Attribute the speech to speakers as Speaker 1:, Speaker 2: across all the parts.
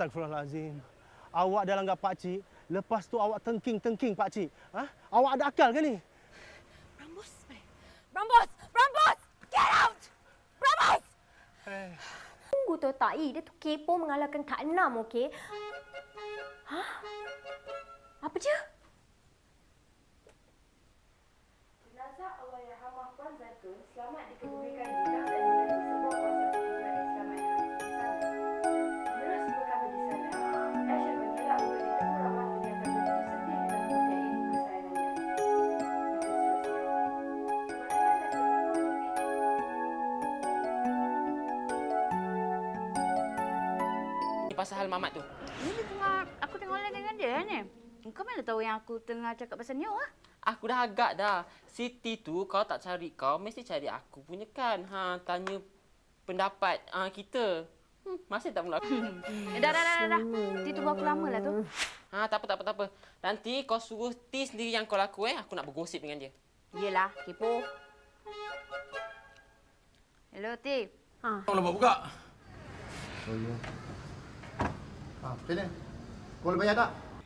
Speaker 1: Astagfirullahalazim. Awak dah langgar pakcik, lepas tu awak tengking-tengking pakcik. Ha? Awak ada akal ke ni?
Speaker 2: Brambos! Brambos! Brambos! Get out! Brambos!
Speaker 3: Tunggu tu tak, dia tu kepo mengalahkan Kak Enam, okey? Hah? Apa je?
Speaker 4: Jenazah Allahyarhamah Puan Zaitun selamat dikebumikan di Gang dan menjadi sebuah kuasa peribadi selamatnya. Menurut sebuah kami di sana, Asher mengelak untuk ditemu ramah kenyataan begitu sedih dengan budak ibu kesayangannya.
Speaker 5: Pasal hal Mamat tu.
Speaker 2: Ini aku tengok online dengan dia ni. Kau mana tahu yang aku tengah cakap pasal Neo ah?
Speaker 5: Aku dah agak dah. Siti tu kalau tak cari kau, mesti cari aku punya kan. Tanya pendapat kita. Masih tak mula.
Speaker 2: Dah. Dia tunggu aku lama lah tu.
Speaker 5: Tak apa. Nanti kau suruh T sendiri yang kau laku Aku nak bergosip dengan dia.
Speaker 2: Yelah, kepo. Hello, T.
Speaker 6: Kau nak buka?
Speaker 7: Oh, ya. Macam mana? Kau boleh bayar tak?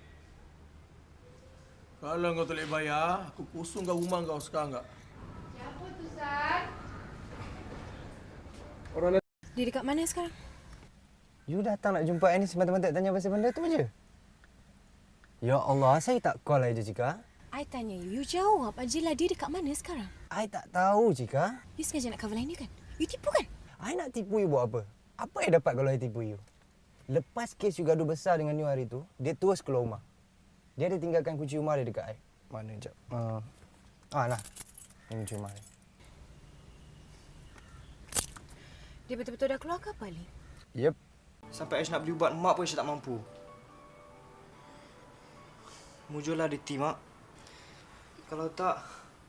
Speaker 6: Kalau kau tak boleh bayar, aku kosongkan rumah kau sekarang tak?
Speaker 4: Siapa tu, San?
Speaker 8: Dia dekat mana sekarang?
Speaker 9: You datang nak jumpa I ni semata-mata tanya pasal benda tu je? Ya Allah, saya tak call I je, Cika.
Speaker 8: I tanya you jawab ajalah dia dekat mana sekarang?
Speaker 9: I tak tahu, Cika.
Speaker 8: You sengaja nak cover line dia kan? You tipu kan?
Speaker 9: I nak tipu you buat apa? Apa I dapat kalau I tipu you? Lepas kes you gaduh besar dengan you hari tu, dia terus keluar rumah. Dia ada tinggalkan kunci rumah dia dekat I. Mana jap? Nah. Ini kunci rumah dia.
Speaker 8: Dia betul-betul dah keluar ke apa, Ali?
Speaker 9: Yep.
Speaker 10: Sampai Ash nak beli ubat mak pun Ash tak mampu. Mujurlah di tim, Mak. Kalau tak...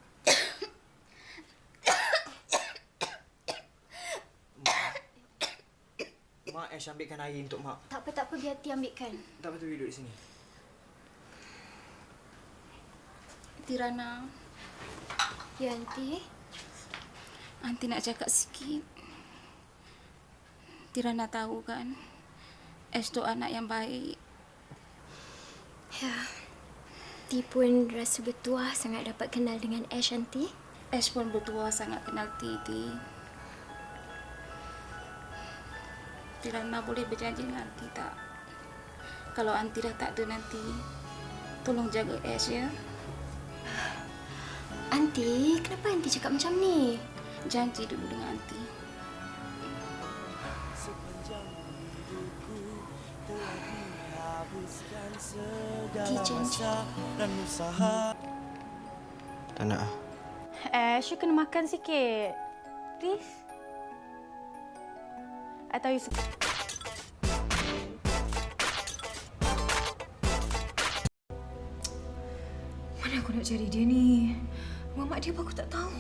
Speaker 10: Mak, Ash ambilkan air untuk Mak.
Speaker 3: Tak apa, biar Ti ambilkan.
Speaker 10: Tak apa tu, duduk di sini.
Speaker 4: Tirana.
Speaker 3: Ya, Aunty.
Speaker 4: Aunty nak cakap sikit. Tirana tahu kan, Ash tu anak yang baik.
Speaker 3: Ya. Ti pun rasa bertuah sangat dapat kenal dengan Ash, Aunty.
Speaker 4: Ash pun bertuah sangat kenal Titi. Tirana boleh berjanji dengan Aunty tak? Kalau Aunty dah tak ada nanti, tolong jaga Ash ya.
Speaker 3: Aunty, kenapa Aunty cakap macam ni?
Speaker 4: Janji dulu dengan Aunty.
Speaker 3: Aunty janji.
Speaker 10: Tak nak.
Speaker 2: Ash, you kena makan sikit. Please. I tahu you suka.
Speaker 8: Mana aku nak cari dia ni? Mamak dia pun aku tak tahu.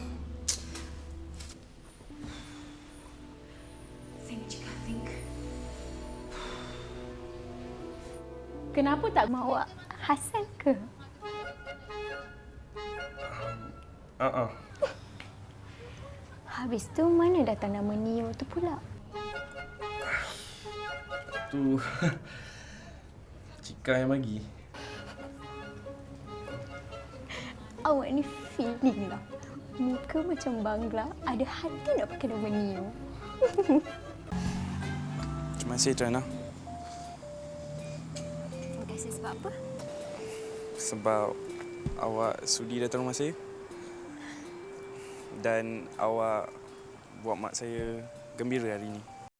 Speaker 8: Think.
Speaker 3: Kenapa tak mahu Hasan ke? Habis tu mana datang nama Neo tu pula?
Speaker 6: Tu Cika yang bagi.
Speaker 3: Awak ni feeling lah. Muka macam bangla, ada hati nak pakai nama Neo.
Speaker 10: Terima kasih, Trina.
Speaker 3: Terima kasih sebab apa?
Speaker 10: Sebab awak sudi datang rumah saya. Dan awak buat mak saya gembira hari ini.